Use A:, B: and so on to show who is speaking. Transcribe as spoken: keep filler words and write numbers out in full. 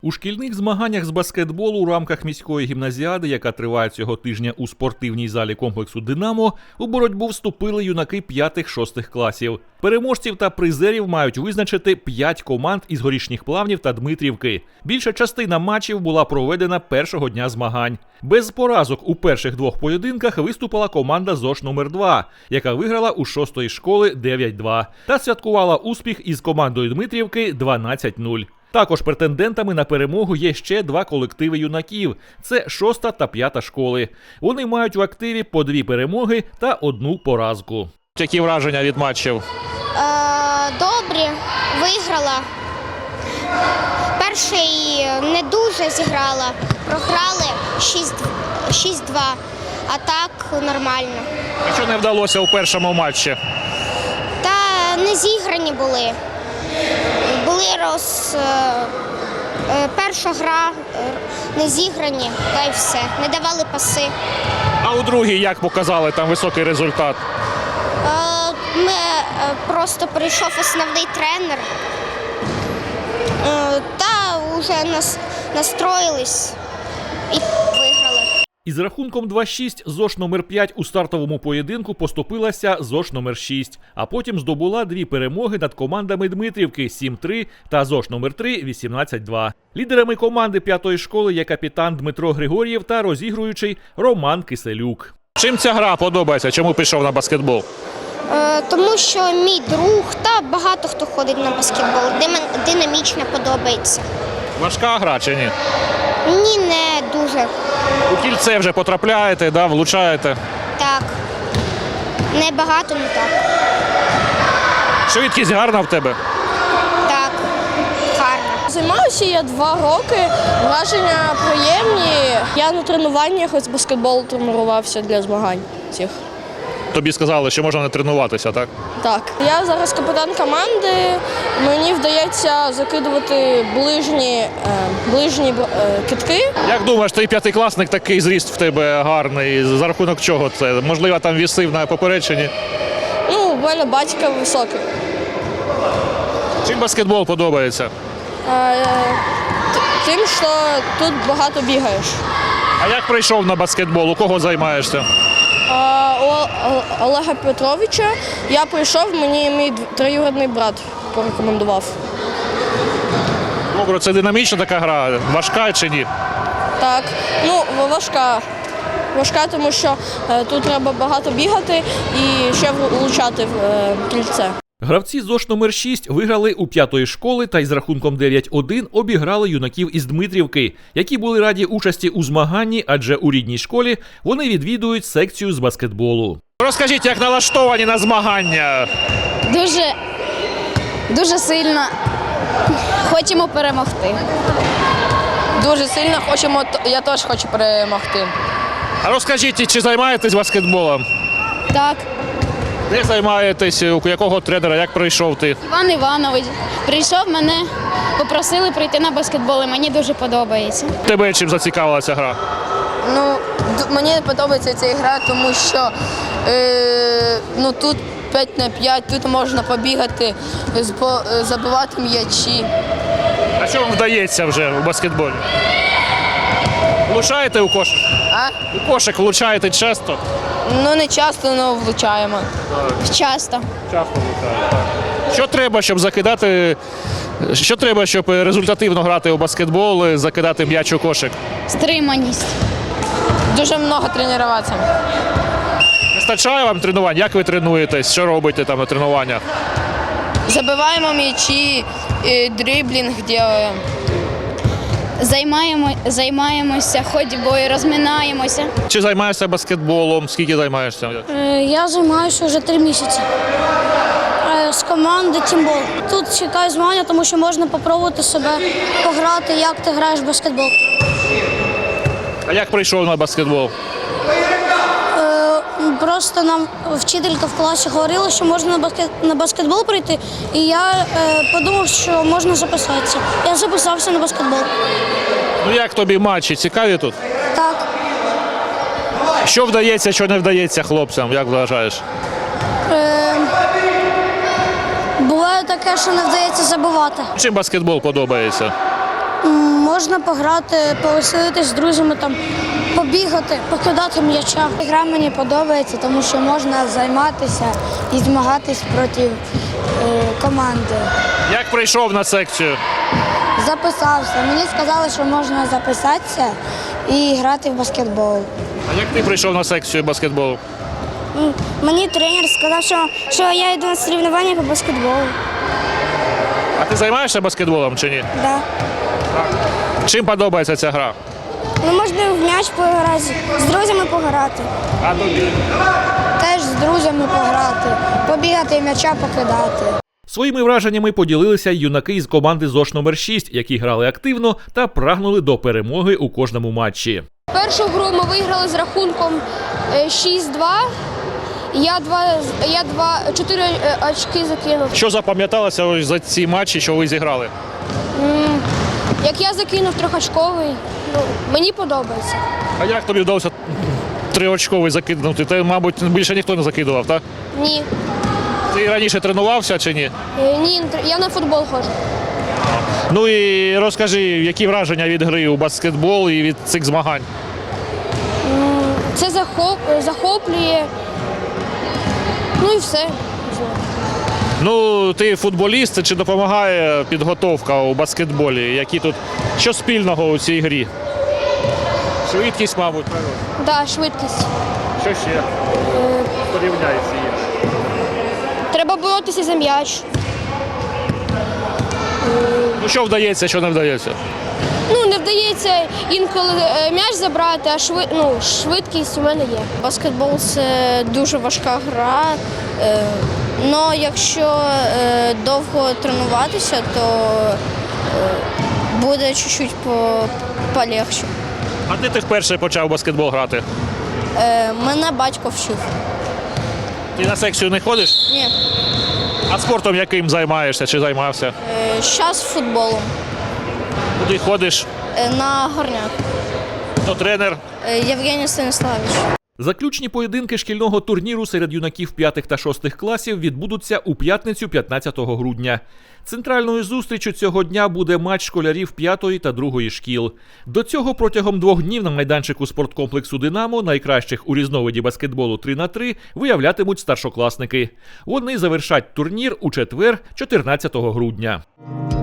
A: У шкільних змаганнях з баскетболу у рамках міської гімназіади, яка триває цього тижня у спортивній залі комплексу «Динамо», у боротьбу вступили юнаки п'ятих-шостих класів. Переможців та призерів мають визначити п'ять команд із Горішніх Плавнів та Дмитрівки. Більша частина матчів була проведена першого дня змагань. Без поразок у перших двох поєдинках виступила команда ЗОШ номер два, яка виграла у шостої школи дев'ять-два та святкувала успіх із командою Дмитрівки дванадцять нуль. Також претендентами на перемогу є ще два колективи юнаків – це шоста та п'ята школи. Вони мають в активі по дві перемоги та одну поразку. Які враження від матчів?
B: Е, добрі, виграла. Перший не дуже зіграла, програли шість-два, а так нормально.
A: А що не вдалося у першому матчі?
B: Та не зіграні були. Були роз... Перша гра не зіграні, та й все. Не давали паси.
A: А у другій як показали там високий результат?
B: Ми просто прийшов основний тренер та вже нас настроїлись і виграли.
A: Із рахунком два-шість ЗОШ номер п'ять у стартовому поєдинку поступилася ЗОШ номер шість, а потім здобула дві перемоги над командами Дмитрівки сім-три та ЗОШ номер три вісімнадцять-два. Лідерами команди п'ятої школи є капітан Дмитро Григор'єв та розігруючий Роман Киселюк. Чим ця гра подобається? Чому пішов на баскетбол?
B: Е, тому що мій друг та багато хто ходить на баскетбол. Динамічно подобається.
A: Важка гра чи ні?
B: Ні, не дуже.
A: У кільце вже потрапляєте, да, влучаєте?
B: Так. Не багато, але так.
A: Швидкість гарна в тебе?
B: Так, гарно.
C: Займаюся я два роки, враження приємні. Я на тренуваннях з баскетболу тренувався для змагань цих.
A: Тобі сказали, що можна не тренуватися, так?
C: Так. Я зараз капітан команди, мені вдається закидувати ближні, е, ближні е, кидки.
A: Як думаєш, твій п'ятикласник такий зріст в тебе гарний, за рахунок чого це? Можливо, там вісив на поперечині?
C: Ну, у мене батько високий.
A: Чим баскетбол подобається?
C: Е, тим, що тут багато бігаєш.
A: А як прийшов на баскетбол? У кого займаєшся?
C: У Олега Петровича я прийшов, мені мій троюрідний брат порекомендував.
A: Добре, це динамічна така гра, важка чи ні?
C: Так, ну важка. Важка, тому що е, тут треба багато бігати і ще влучати в е, кільце.
A: Гравці ЗОШ номер шість виграли у п'ятої школи та із рахунком дев'ять-один обіграли юнаків із Дмитрівки, які були раді участі у змаганні, адже у рідній школі вони відвідують секцію з баскетболу. Розкажіть, як налаштовані на змагання?
D: Дуже, дуже сильно хочемо перемогти.
C: Дуже сильно хочемо, я теж хочу перемогти.
A: А розкажіть, чи займаєтесь баскетболом?
D: Так,
A: Де займаєтесь, у якого тренера, як прийшов ти?
D: Іван Іванович прийшов, мене попросили прийти на баскетбол, і мені дуже подобається.
A: Тебе чим зацікавилася гра?
C: Ну, мені подобається ця гра, тому що е, ну, тут п'ять на п'ять, тут можна побігати, забивати м'ячі.
A: А що вам вдається вже у баскетболі? Влучаєте у кошик?
C: А?
A: У кошик влучаєте часто?
C: Ну, не часто, але влучаємо.
D: Часто.
A: Часто влучаєте, так. Що треба, щоб закидати, що треба, щоб результативно грати у баскетбол, закидати м'яч у кошик?
D: Стриманість.
C: Дуже багато тренуватися.
A: Вистачає вам тренувань? Як ви тренуєтесь? Що робите там на тренуваннях?
C: Забиваємо м'ячі, дриблінг робимо.
D: Займаємо, займаємося ходьбою, розминаємося.
A: Чи займаєшся баскетболом? Скільки займаєшся?
E: Я займаюся вже три місяці з команди «Тімбол». Тут чекаю змагання, тому що можна спробувати себе пограти, як ти граєш в баскетбол.
A: А як прийшов на баскетбол?
E: Просто нам вчителька в класі говорила, що можна на, баскет... на баскетбол прийти, і я е, подумав, що можна записатися. Я записався на баскетбол.
A: Ну як тобі матчі? Цікаві тут?
E: Так.
A: Що вдається, що не вдається хлопцям, як вважаєш?
E: Е, буває таке, що не вдається забивати.
A: Чим баскетбол подобається?
E: М, Можна пограти, повеселитись з друзями, там, побігати, покидати м'яча. Гра мені подобається, тому що можна займатися і змагатись проти е, команди.
A: Як прийшов на секцію?
E: Записався. Мені сказали, що можна записатися і грати в баскетбол.
A: А як ти прийшов на секцію баскетболу?
E: Мені тренер сказав, що, що я йду на соревнування по баскетболу.
A: А ти займаєшся баскетболом чи ні?
E: Да.
A: Чим подобається ця гра?
E: Ну, можна в м'яч пограти, з друзями пограти.
A: А тобі?
E: Теж з друзями пограти, побігати, м'яча покидати.
A: Своїми враженнями поділилися й юнаки із команди ЗОШ номер шість, які грали активно та прагнули до перемоги у кожному матчі.
F: Першу гру ми виграли з рахунком е, шість-два. Я два, я два, чотири е, очки закинув.
A: Що запам'яталося ось за ці матчі, що ви зіграли?
F: М, Як я закинув трьохочковий, ну, мені подобається.
A: А як тобі вдалося триочковий закинути? Ти, мабуть, більше ніхто не закидував, так?
F: Ні.
A: Ти раніше тренувався чи ні?
F: Е, Ні, не тр- я на футбол ходжу.
A: Ну і розкажи, які враження від гри у баскетбол і від цих змагань?
F: Це захоп, захоплює. Ну і все.
A: Ну, ти футболіст, чи допомагає підготовка у баскетболі? Які тут, що спільного у цій грі? Швидкість, мабуть, правильно?
F: Да, швидкість.
A: Що ще? Порівняється є.
F: Треба боротися за м'яч.
A: Ну, що вдається, що не вдається?
F: Ну, не вдається інколи е, м'яч забрати, а швид, ну, швидкість у мене є.
G: Баскетбол – це дуже важка гра. Але якщо е, довго тренуватися, то е, буде чуть-чуть по- полегше.
A: А де ти вперше почав у баскетбол грати?
G: Е, Мене батько вчив.
A: Ти на секцію не ходиш?
G: Ні.
A: А спортом яким займаєшся чи займався?
G: Зараз футболом.
A: Куди ходиш?
G: Е, На горняк.
A: Хто тренер?
G: Е, Євгеній Станіславович.
A: Заключні поєдинки шкільного турніру серед юнаків п'ятих та шостих класів відбудуться у п'ятницю п'ятнадцятого грудня. Центральною зустрічю цього дня буде матч школярів п'ятої та другої шкіл. До цього протягом двох днів на майданчику спорткомплексу «Динамо» найкращих у різновиді баскетболу три на три виявлятимуть старшокласники. Вони завершать турнір у четвер, чотирнадцятого грудня.